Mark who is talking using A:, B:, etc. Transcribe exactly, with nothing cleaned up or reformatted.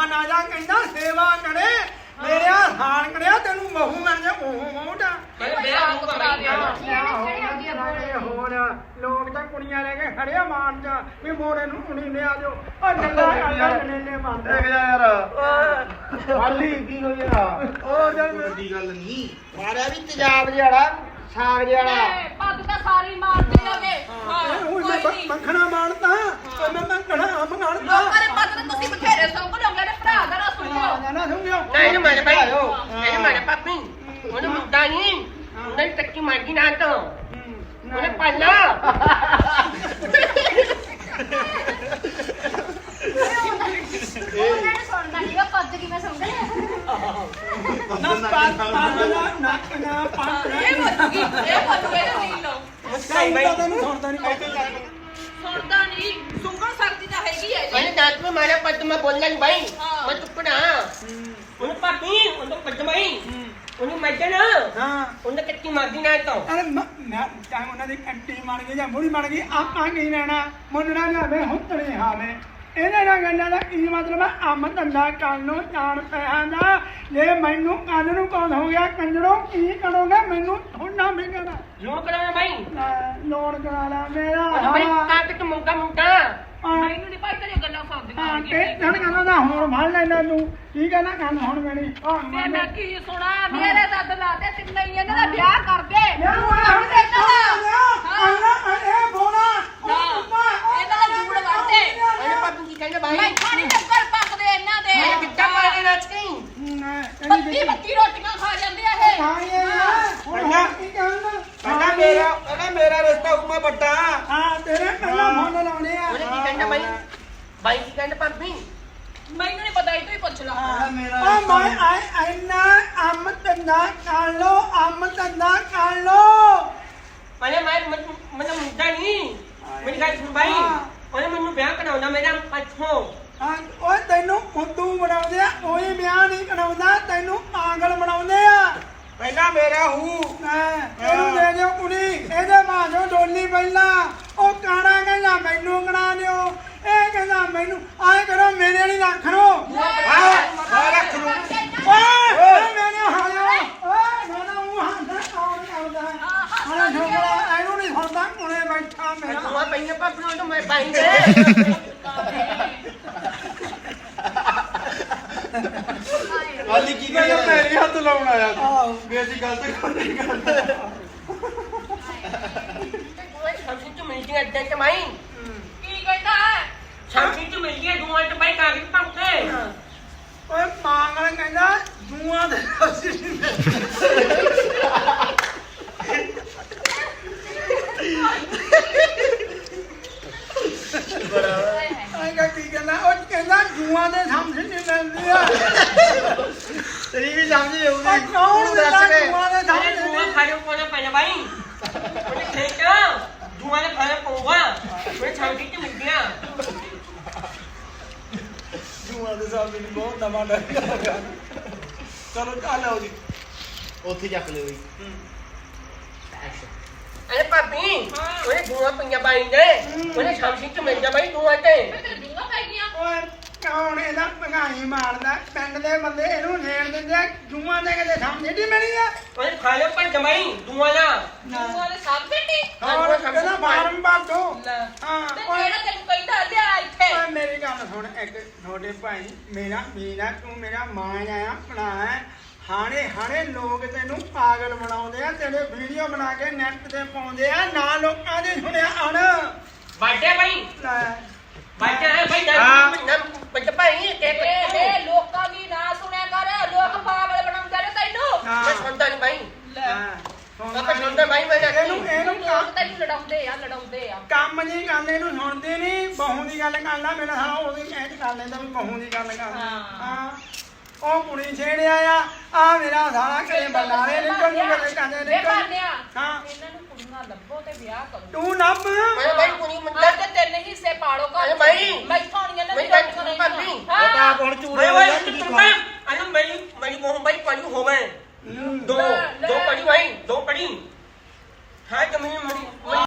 A: ਨਾ ਜਾ ਕਹਿੰਦਾ ਸੇਵਾ ਕਰੇ ਮੇਰੇ ਹਾਲ ਕਰਿਆ ਤੈਨੂੰ ਮਹੂ ਮਿਲ ਜਾ ਉਹ ਮੋਟਾ ਹੋਰ ਲੋਕ ਤਾਂ ਕੁੜੀਆਂ ਲੈ ਕੇ ਖੜਿਆ ਮਾਨ ਚ ਵੀ ਮੋੜੇ ਨੂੰ ਕੁੜੀ ਲੈ ਆ ਜਾਓ ਉਹ ਨੱਲਾ ਨੇਲੇ ਮੰਨਦੇ
B: ਦੇਖ ਜਾ ਯਾਰ ਵਾਲੀ ਕੀ ਹੋਇਆ
A: ਉਹ ਜਦ
B: ਵੱਡੀ ਗੱਲ ਨਹੀਂ ਮਾਰਿਆ ਵੀ ਤੇਜ਼ਾਬ ਜਿਹੜਾ ਸਾਗ ਜਿਹੜਾ
C: ਪੱਗ ਤਾਂ ਸਾਰੀ ਮਾਰਦੇ ਆਗੇ
A: ਉਹ ਮੈਂ ਮੱਖਣਾ ਮਾਰਦਾ ਉਹ ਮੈਂ ਮੱਖਣਾ ਮੰਗਾਣਦਾ
C: ਲੋਕਾਂ ਦੇ ਪੱਗ ਤਾਂ ਤੁਸੀਂ ਬਥੇਰੇ ਸੰਗ ਲੋਗੇ ਨੇ ਭਰਾ ਦਾ ਨਾ ਸੁਣਿਓ
A: ਨਾ ਸੁਣਿਓ
D: ਨਹੀਂ ਮਾਰੇ ਭਾਈ ਨਹੀਂ ਮਾਰੇ ਪਾਪੀ ਉਹਨੂੰ ਮੁੱਦਾ ਨਹੀਂ ਉਹਨੇ ਟੱਕੀ ਮਾਰਗੀ ਨਾ ਤੋਂ ਉਹਨੇ ਪਾਲਾ
C: ਉਹਨਾਂ ਨੇ ਸੁਣਦਾ ਨਹੀਂ ਉਹ ਪੱਗ ਕਿਵੇਂ ਸੁਣਦੇ
A: ਨਾ ਪਾ ਪਾ ਨਾ ਨਾ ਪਾ
C: ਇਹ ਬੋਲੂਗੀ ਇਹ ਬੋਲੂਗੇ ਨਹੀਂ ਲੋ
A: ਕਹਿੰਦਾ ਤੈਨੂੰ ਸੁਣਦਾ ਨਹੀਂ
C: ਸੁਣਦਾ ਨਹੀਂ ਸੁੰਗਣ ਸਕਦੀ ਤਾਂ ਹੈਗੀ ਹੈ
D: ਉਹਨੇ ਦਾਤ ਮੇ ਮਾਰਿਆ ਪੱਦ ਮੈਂ ਬੋਲਣਾ ਨਹੀਂ ਭਾਈ ਮੈਂ ਚੁੱਪਣਾ ਉਹਨੇ ਪਾਪੀ ਉਹਨੇ ਪੱਦ ਭਾਈ ਉਹਨੇ ਮੱਜਣ
A: ਹਾਂ
D: ਉਹਨੇ ਟੱਕੀ ਮਾਰਗੀ ਨਾ ਤੋਂ
A: ਅਰੇ ਮੈਂ ਟਾਈਮ ਉਹਨਾਂ ਦੀ ਕੰਟੀ ਬਣ ਗਈ ਜਾਂ ਮੁੜੀ ਬਣ ਗਈ ਆਪਾਂ ਕੀ ਲੈਣਾ ਮੁੰਡਣਾ ਲਿਆਵੇ ਹੁੱਤਣੇ ਹਾਵੇ ਇਹਦੇ ਨਾਲ ਗੱਲਾਂ ਦਾ ਕੀ ਮਤਲਬ ਹੈ ਅੰਮ ਧੰਦਾ ਕਰਨ ਨੂੰ ਜਾਣ ਪਿਆ ਦਾ ਜੇ ਮੈਨੂੰ ਕੰਨ ਨੂੰ ਕੌਣ ਹੋ ਗਿਆ ਕੰਜੜੋ ਕੀ ਕਰੋਗੇ ਮੈਨੂੰ ਥੋੜਾ ਮਿਲਣਾ
D: ਲੋਨ ਕਰਾਉਣਾ ਭਾਈ
A: ਲੋਨ ਕਰਾ ਲਾ ਮੇਰਾ
D: ਭਾਈ ਕਾ ਕਿ ਤੂੰ ਮੁੰਗਾ ਮੁੰਗਾ
C: ਮੈਨੂੰ ਨਹੀਂ ਭਾਈ ਤੇਰੀਆਂ ਗੱਲਾਂ ਸੁਣਦੀਆਂ
A: ਹਾਂ ਤੇ ਜਣ ਕਹਿੰਦਾ ਨਾ ਹੁਣ ਫੜ ਲੈਣਾ ਤੂੰ ਕੀ ਕਹਿੰਦਾ ਕੰਨ ਹੁਣ ਮੇਰੀ
C: ਤੇ ਮੈਂ ਕੀ ਸੁਣਾ ਮੇਰੇ ਦੱਦ ਲਾ ਤੇ ਤਿੰਨੇ ਹੀ ਇਹਨਾਂ ਦਾ ਵਿਆਹ ਕਰ ਦੇ
A: ਯਾਰ ਹੁਣ ਇਹ ਬੋਲਾ
C: ਇਹਨਾਂ ਦਾ ਜੂੜ ਵਰਤੇ
D: ਉਹਨੇ ਪਾਪੀ ਕੀ ਕਹਿੰਦਾ ਭਾਈ
C: ਮੈਂ ਖਾਣੀ ਟੱਕਰ ਪੱਕਦੇ ਇਹਨਾਂ ਦੇ
D: ਮੈਂ ਕਿੱਦਾਂ ਮਾਰੇ ਨਾ ਚਕੀ
C: ਬੱਤੀ ਬੱਤੀ ਰੋਟੀਆਂ ਖਾ ਜਾਂਦੇ ਆ ਇਹ
A: ਪਹਿਲਾਂ ਮੇਰਾ ਪਹਿਲਾਂ ਮੇਰਾ ਰਿਸ਼ਤਾ ਉਮਾ ਵੱਡਾ ਹਾਂ ਤੇਰੇ ਪਹਿਲਾਂ ਫੋਨ ਲਾਉਣੇ ਆ
D: ਉਹਨੇ ਕੀ ਕਹਿੰਦਾ ਭਾਈ ਭਾਈ ਕੀ ਕਹਿੰਦਾ ਪਾਪੀ
C: ਮੈਨੂੰ ਨਹੀਂ ਪਤਾ ਇਹ ਤੋਂ ਹੀ ਪੁੱਛ ਲਾ
A: ਆ ਮੈਂ ਆਈ ਐਨਾ ਅੰਮ ਧੰਦਾ ਕਰ ਲੋ ਅੰਮ ਧੰਦਾ ਕਰ ਲੋ
D: ਪਹਿਲੇ ਮੈਂ ਮੈਨੂੰ ਮੁੰਡਾ ਨਹੀਂ ਮੇਰੀ ਗੱਲ ਸੁਣ ਭਾਈ ਉਹਨੇ ਮੈਨੂੰ ਵਿਆਹ ਕਰਾਉਣਾ ਮੇਰਾ ਪੱਛੋਂ
A: ਹਾਂ ਓਏ ਤੈਨੂੰ ਫੁੱਦੂ ਬਣਾਉਂਦੇ ਆ ਕੋਈ ਵਿਆਹ ਨਹੀਂ ਕਰਾਉਂਦਾ ਤੈਨੂੰ ਪਾਗਲ ਬਣਾਉਂਦੇ ਆ ਪਹਿਲਾਂ ਮੇਰਾ ਹੂ ਇਹਨੂੰ ਦੇ ਦਿਓ ਕੁੜੀ ਇਹਦੇ ਮਾਂ ਡੋਲੀ ਪਹਿਲਾਂ ਉਹ ਕਾਣਾ ਕਹਿੰਦਾ ਮੈਨੂੰ ਕਰਾ ਦਿਓ ਇਹ ਕਹਿੰਦਾ ਮੈਨੂੰ ਆਏ ਕਰੋ ਮੇਰੇ ਨਹੀਂ ਰੱਖ ਲੋ ਆ ਰੱਖ ਲੋ ਓਏ ਮੇਰੇ ਹਾਲਿਓ ਓਏ ਮੇਰਾ ਉਹ ਹੱਥ ਕੌਣ ਕਰਦਾ ਹਾਲਾ ਝੋਲਾ ਇਹਨੂੰ ਨਹੀਂ ਸੁਣਦਾ ਕੋਲੇ ਬੈਠਾ ਮੇਰਾ
D: ਤੂੰ ਪਈਆਂ ਪਾਪੀ ਨੂੰ ਮੈਂ ਪਾਈ ਦੇ
B: ਵਾਲੀ ਕੀ ਕਹਿੰਦਾ ਪੈਰੀ ਹੱਥ ਲਾਉਣ ਆਇਆ ਤੂੰ ਵੀ ਅਸੀਂ ਗਲਤ ਕੋਈ ਕਰਦਾ
D: ਸ਼ਾਮੀ ਤੂੰ ਮਿਲ ਗਿਆ ਅੱਡੇ ਤੇ ਮਾਈ
C: ਕੀ ਕਹਿੰਦਾ
D: ਸ਼ਾਮੀ ਤੂੰ ਮਿਲ ਗਿਆ ਦੂਆਂ ਤੇ ਭਾਈ ਕਾਗਜ਼ ਪੰਕੇ
A: ਓਏ ਪਾਗਲ ਕਹਿੰਦਾ ਜੂਆਂ ਦੇ ਅਸੀਂ ਆਏਗਾ ਕੀ ਕਹਿੰਦਾ ਉਹ ਕਹਿੰਦਾ ਜੂਆਂ ਦੇ ਸਮਝ ਨਹੀਂ ਮਿਲਦੀ ਆ
B: ਤੇਰੀ ਵੀ ਸਮਝ
A: ਉਹ
B: ਆਉਗੀ
A: ਕੌਣ ਦਿੰਦਾ ਜੂਆਂ ਦੇ
D: ਅਰੇ
A: ਸਮਝ
D: ਦੂਆਂ ਖਾਣੇ ਕੋਲ ਪਹਿਲੇ ਭਾਈ ਉਹਨੇ ਠੀਕ ਦੂਆਂ ਦੇ ਖਾਣੇ ਪਊਗਾ ਮੈਂ ਸ਼ਾਮੀ ਤੇ ਮਿਲ ਗਿਆ
A: ਜੂਆਂ ਦੇ ਸਮਝ ਨਹੀਂ ਬਹੁਤ ਨਵਾਂ ਡਰ ਚਲੋ ਚੱਲ ਆਓ ਜੀ
B: ਉੱਥੇ ਚੱਕ ਲਿਓ ਜੀ
D: ਅਰੇ ਪਾਪੀ ਉਹਨੇ ਦੂਆਂ ਪਈਆਂ ਬਾਈ ਦੇ ਉਹਨੇ ਸ਼ਾਮੀ ਤੇ ਮਿਲ ਜਾ ਭਾਈ ਦੂਆਂ ਤੇ
C: ਮੈਂ ਤੇਰੇ ਜੂਆਂ ਪੈ ਗਈਆਂ
A: ਓਏ ਕੌਣ ਇਹਦਾ ਭਗਾਈ ਮਾਰਦਾ ਪਿੰਡ ਦੇ ਬੰਦੇ ਇਹਨੂੰ ਨੇੜ ਦਿੰਦੇ ਆ ਜੂਆਂ ਦੇ ਕਿਤੇ ਸਮਝ ਨਹੀਂ ਮਿਲੀ ਆ
D: ਉਹਨੇ ਖਾਣੇ ਪਰ ਜਮਾਈ ਦੂਆਂ ਦਾ
C: ਜੂਆਂ ਦੇ ਸਭ ਬੇਟੀ
A: ਹੋਰ ਕਹਿੰਦਾ ਫਾਰਮ ਬਾਟੋ ਹਾਂ
C: ਤੇ
A: ਓਏ
C: ਜਿਹੜਾ ਤੈਨੂੰ ਕਹਿੰਦਾ ਲਿਆ ਇੱਥੇ
A: ਓਏ ਮੇਰੀ ਗੱਲ ਸੁਣ ਇੱਕ ਛੋਟੇ ਭਾਈ ਮੇਰਾ ਮੇਰਾ ਤੂੰ ਮੇਰਾ ਮਾਂ ਆਇਆ ਭਰਾ ਹੈ ਹਾਣੇ ਹਾਣੇ ਲੋਕ ਤੈਨੂੰ ਪਾਗਲ ਬਣਾਉਂਦੇ ਆ ਤੇਰੇ ਵੀਡੀਓ ਬਣਾ ਕੇ ਨੈਟ ਤੇ ਪਾਉਂਦੇ ਆ ਨਾ ਲੋਕਾਂ ਦੀ ਸੁਣਿਆ ਅਣ
D: ਬਾਟੇ ਭਾਈ
A: ਲੈ
D: ਬਾਟੇ ਹੈ ਭਾਈ ਨਾ ਬੱਚ ਭਾਈ
C: ਇਹ
D: ਤੇ
C: ਇਹ ਲੋਕਾਂ ਦੀ ਨਾ ਸੁਣਿਆ ਕਰ ਲੋਕ ਪਾਗਲ ਬਣਾਉਂਦੇ ਨੇ ਤੈਨੂੰ
D: ਮੈਂ ਸੁਣਦਾ ਨਹੀਂ ਭਾਈ
A: ਹਾਂ
D: ਆਪਾਂ ਸੁਣਦਾ ਭਾਈ ਮੈਂ
A: ਇਹਨੂੰ ਇਹਨੂੰ
C: ਲੋਕ ਤੈਨੂੰ ਲੜਾਉਂਦੇ ਆ ਲੜਾਉਂਦੇ ਆ
A: ਕੰਮ ਨਹੀਂ ਕਰਨੇ ਇਹਨੂੰ ਸੁਣਦੇ ਨਹੀਂ ਬਹੂ ਦੀ ਗੱਲ ਕਰ ਲਾ ਮੇਰਾ ਸਾਲਾ ਉਹਦੀ ਕਹਿ ਕਰ ਲੈਂਦਾ ਵੀ ਬਹੂ ਦੀ ਗੱਲ ਕਰ ਹਾਂ ਉਹ ਕੁੜੀ ਛੇੜਿਆ ਆ ਆ ਮੇਰਾ ਸਾਲਾ ਘਰੇ ਬਲਾਰੇ ਨਿਕਲ ਨੂੰ ਕਦੇ ਕਦੇ
C: ਵੇ
A: ਨਿਕਲ
C: ਬਾਨਿਆ
A: ਹਾਂ
C: ਇਹਨਾਂ ਨੂੰ ਕੁੜੀਆਂ ਲੱਭੋ ਤੇ ਵਿਆਹ ਕਰੋ
A: ਤੂੰ ਨੱਬ
D: ਮੈਂ ਭਾਈ